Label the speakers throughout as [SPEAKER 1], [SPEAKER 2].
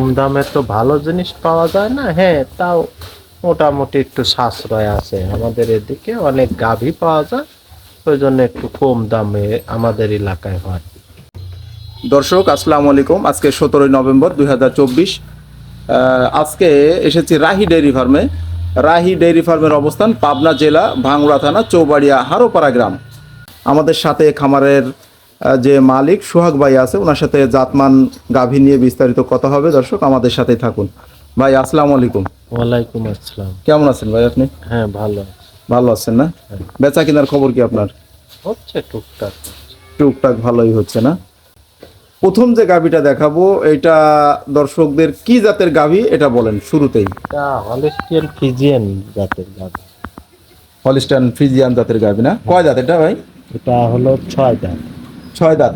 [SPEAKER 1] দামে তো ভালো জিনিস পাওয়া যায় না। হ্যাঁ, তাও মোটামুটি একটু সাশ্রয় আছে। আমাদের এদিকে অনেক গাভী পাওয়া যায়, ওই জন্য একটু কম দামে আমাদের এলাকায় হয়।
[SPEAKER 2] দর্শক আসসালামু আলাইকুম। আজকে 17 নভেম্বর 2024। আজকে এসেছি রাহি ডেইরি ফার্মে। রাহি ডেইরি ফার্মের অবস্থান পাবনা জেলা ভাঙ্গুড়া থানা চৌবাড়িয়া হারোপাড়া গ্রাম। আমাদের সাথে খামারের যে মালিক সোহাগ ভাই আছে, ওনার সাথে জাতমান গাভী নিয়ে বিস্তারিত কথা হবে। দর্শক আমাদের সাথেই থাকুন। ভাই আসসালামু আলাইকুম।
[SPEAKER 1] ওয়ালাইকুম আসসালাম।
[SPEAKER 2] কেমন আছেন ভাই আপনি?
[SPEAKER 1] হ্যাঁ, ভালো।
[SPEAKER 2] ভালো আছেন না?
[SPEAKER 1] হ্যাঁ।
[SPEAKER 2] বেচা কেনার খবর কি আপনার?
[SPEAKER 1] হচ্ছে টুকটাক।
[SPEAKER 2] টুকটাক ভালোই হচ্ছে না? প্রথম যে গাভীটা দেখাবো, এটা দর্শকদের কি জাতের গাভী এটা বলেন শুরুতেই।
[SPEAKER 1] এটা হলিস্টিয়ান ফিজিয়ান জাতের গাভী।
[SPEAKER 2] হলিস্টাইন ফ্রিজিয়ান জাতের গাভী না? কয় দাঁত এটা ভাই?
[SPEAKER 1] এটা হলো 6 দাঁত।
[SPEAKER 2] 6 দাঁত।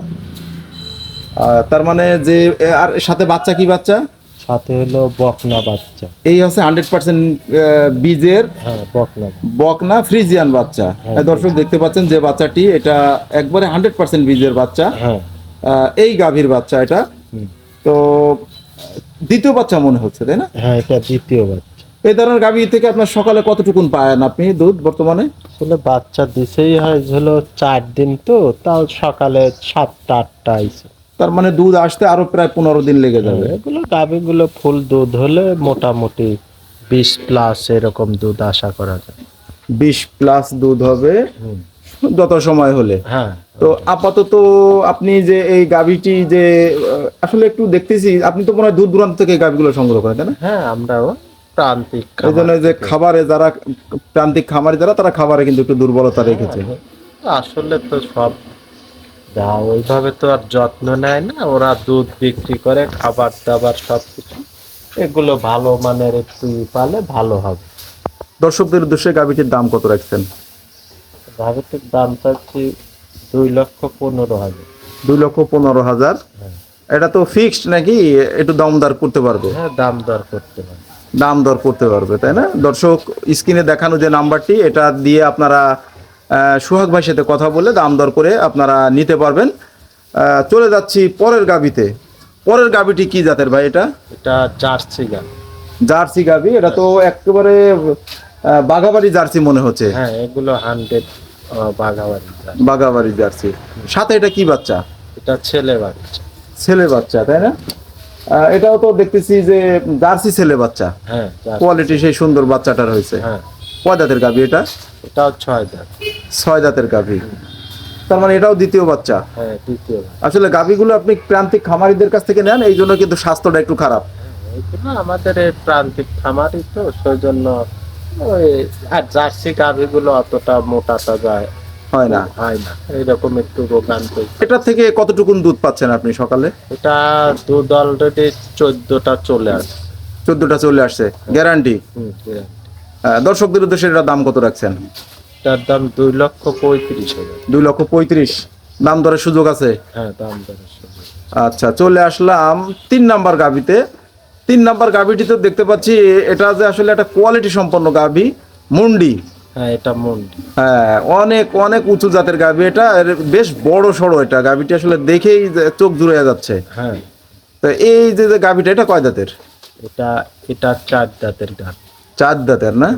[SPEAKER 2] তার মানে যে আর সাথে বাচ্চা কি বাচ্চা?
[SPEAKER 1] সাথে হলো বকনা বাচ্চা।
[SPEAKER 2] এই হচ্ছে 100% বীজের
[SPEAKER 1] হ্যাঁ, বকনা।
[SPEAKER 2] বকনা ফ্রিজিয়ান বাচ্চা।
[SPEAKER 1] হ্যাঁ।
[SPEAKER 2] দর্শক দেখতে পাচ্ছেন যে বাচ্চাটি, এটা একবারে 100% বীজের বাচ্চা।
[SPEAKER 1] হ্যাঁ।
[SPEAKER 2] এই গাভীর বাচ্চা এটা।
[SPEAKER 1] হুম।
[SPEAKER 2] তো দ্বিতীয় বাচ্চা মনে হচ্ছে, তাই না?
[SPEAKER 1] হ্যাঁ, এটা দ্বিতীয় বাচ্চা।
[SPEAKER 2] এই ধরনের গাভী থেকে আপনার সকালে কতটুকুন পান আপনি দুধ বর্তমানে?
[SPEAKER 1] আসলে বাচ্চা দিছেই হয় হলো 4 দিন, তো তাও সকালে 7টা-8টা আইছে।
[SPEAKER 2] তার মানে দুধ আসতে আরো প্রায় 15 দিন লেগে যাবে।
[SPEAKER 1] এগুলো গাভীগুলো ফুল দুধ হলে মোটামুটি 20+ এরকম দুধ আশা করা যায়।
[SPEAKER 2] 20 প্লাস দুধ হবে
[SPEAKER 1] হুম।
[SPEAKER 2] যত সময় হলে।
[SPEAKER 1] হ্যাঁ।
[SPEAKER 2] তো আপাতত আপনি যে এই গাভীটি যে আসলে একটু দেখতেছি, আপনি তো মনে হয় দূর দূরান্ত থেকে এই গাভীগুলো সংগ্রহ করেন, তাই না?
[SPEAKER 1] হ্যাঁ, আমরাও প্রান্তিক
[SPEAKER 2] এই জন্য
[SPEAKER 1] খামার
[SPEAKER 2] যে
[SPEAKER 1] থেকে।
[SPEAKER 2] খাবারে যারা প্রান্তিক খামারি যারা, তারা খাবারে কিন্তু একটু দুর্বলতা রেখেছে।
[SPEAKER 1] আসলে তো সব ওইভাবে তো আর যত্ন নেয় না, ওরা দুধ বিক্রি করে, খাবার দাবার সবকিছু এগুলো ভালো মানের একটু পালে ভালো হবে।
[SPEAKER 2] দর্শকদের উদ্দেশ্যে গাভীটির দাম কত রাখছেন?
[SPEAKER 1] গাভীটির দাম চাচ্ছি 2,15,000।
[SPEAKER 2] 2,15,000।
[SPEAKER 1] হ্যাঁ।
[SPEAKER 2] এটা তো ফিক্সড নাকি একটু দামদার করতে পারবে?
[SPEAKER 1] হ্যাঁ, দাম দর করতে হবে।
[SPEAKER 2] দাম দর করতে পারবে, তাই না? দর্শক স্ক্রিনে দেখানো যে নাম্বারটি, এটা দিয়ে আপনারা সোহাগ ভাইয়ের সাথে কথা বলে দাম দর করে আপনারা নিতে পারবেন। চলে যাচ্ছি পরের গাভীতে। পরের গাভীটি কি জাতের ভাই এটা?
[SPEAKER 1] এটা জার্সি গাভী।
[SPEAKER 2] জার্সি গাভী। এটা তো একেবারে বাঘাবাড়ি জার্সি মনে হচ্ছে।
[SPEAKER 1] হ্যাঁ, এগুলো 100 বাঘাবাড়ি জাত।
[SPEAKER 2] বাঘাবাড়ি জার্সি। সাথে এটা কি বাচ্চা?
[SPEAKER 1] এটা ছেলে বাচ্চা।
[SPEAKER 2] ছেলে বাচ্চা, তাই না? এটাও তো দেখতেছি যে জার্সি ছেলে বাচ্চা।
[SPEAKER 1] হ্যাঁ,
[SPEAKER 2] কোয়ালিটি সেই সুন্দর বাচ্চাটার হয়েছে।
[SPEAKER 1] হ্যাঁ।
[SPEAKER 2] কয় দাঁতের গাভী এটা?
[SPEAKER 1] এটাও 6 দাঁত।
[SPEAKER 2] 6 দাঁতের গাভী। তার মানে এটাও দ্বিতীয় বাচ্চা।
[SPEAKER 1] হ্যাঁ, দ্বিতীয় বাচ্চা।
[SPEAKER 2] আসলে গাভীগুলো আপনি প্রান্তিক খামারিদের কাছ থেকে নেন, এই জন্য কিন্তু স্বাস্থ্যটা একটু খারাপ।
[SPEAKER 1] এইগুলো আমাদের এই প্রান্তিক খামারই তো, সেই জন্য ওই আর জার্সি গাভীগুলো অতটা মোটা তাজা
[SPEAKER 2] হয় না।
[SPEAKER 1] হয় না, এইরকম একটু রোগান্ত।
[SPEAKER 2] এটা থেকে কতটুকুন দুধ পাচ্ছেন আপনি সকালে?
[SPEAKER 1] এটা দুধ অলরেডি 14টা চলে আসে।
[SPEAKER 2] 14টা চলে আসছে, গ্যারান্টি।
[SPEAKER 1] হ্যাঁ।
[SPEAKER 2] দর্শকদের উদ্দেশ্যে এটার দাম কত রাখছেন?
[SPEAKER 1] এটার দাম 2,35,000।
[SPEAKER 2] 2,35,000। দাম দরের সুযোগ আছে?
[SPEAKER 1] হ্যাঁ, দাম দরের সুযোগ।
[SPEAKER 2] আচ্ছা, চলে আসলাম 3 নাম্বার গাভীতে। 3 নাম্বার গাভীটিতে দেখতে পাচ্ছি এটা যে আসলে একটা কোয়ালিটি সম্পন্ন গাভী, মুন্ডি।
[SPEAKER 1] হ্যাঁ, এটা মন্ডি।
[SPEAKER 2] হ্যাঁ, অনেক অনেক উঁচু জাতের গাভী। এটা বেশ বড় সড়ো। এটা গাভীটি আসলে দেখেই চোখ জুড়ে যাচ্ছে।
[SPEAKER 1] হ্যাঁ।
[SPEAKER 2] তো এই যে যে গাভীটা, এটা কয় দাঁতের?
[SPEAKER 1] এটা এটা 4 দাঁতের গাভী।
[SPEAKER 2] 4 দাঁতের না?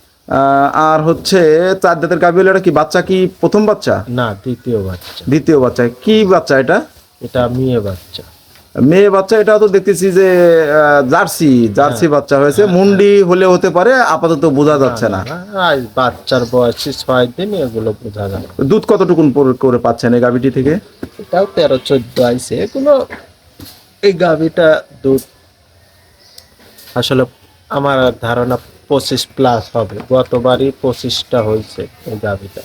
[SPEAKER 2] আর হচ্ছে 4 দাঁতের গাভী হলে এটা কি বাচ্চা, কি প্রথম বাচ্চা?
[SPEAKER 1] না, দ্বিতীয় বাচ্চা।
[SPEAKER 2] দ্বিতীয় বাচ্চা। কি বাচ্চা এটা?
[SPEAKER 1] এটা মেয়ে বাচ্চা।
[SPEAKER 2] মেয়ে বাচ্চা। এটাও তো দেখতেছি যে জার্সি জার্সি বাচ্চা হয়েছে। মুন্ডি হলে হতে পারে, আপাতত বোঝা যাচ্ছে না।
[SPEAKER 1] আজ বাচ্চার বয়সী 6 দিন, এগুলো বোঝা যায়।
[SPEAKER 2] দুধ কতটুকুন করে পাচ্ছেন এই গাভীটি থেকে?
[SPEAKER 1] এটাও 13-14 আইছে। এগুলো এই গাভীটা দুধ আসলে আমার ধারণা 25+ হবে। গতবারই 25টা হয়েছে এই গাভীটা।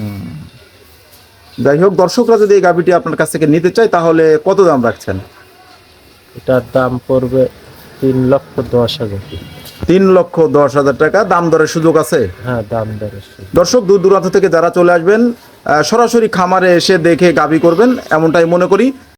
[SPEAKER 2] যাই হোক, দর্শকরা যদি এই গাভীটি আপনার কাছ থেকে নিতে চায় তাহলে কত দাম রাখছেন?
[SPEAKER 1] এটার দাম পড়বে 3,10,000।
[SPEAKER 2] 3,10,000 টাকা। দাম দরের সুযোগ আছে?
[SPEAKER 1] হ্যাঁ, দাম দরের সুযোগ।
[SPEAKER 2] দর্শক দূর দূরান্ত থেকে যারা চলে আসবেন, সরাসরি খামারে এসে দেখে গাভী করবেন, এমনটাই মনে করি।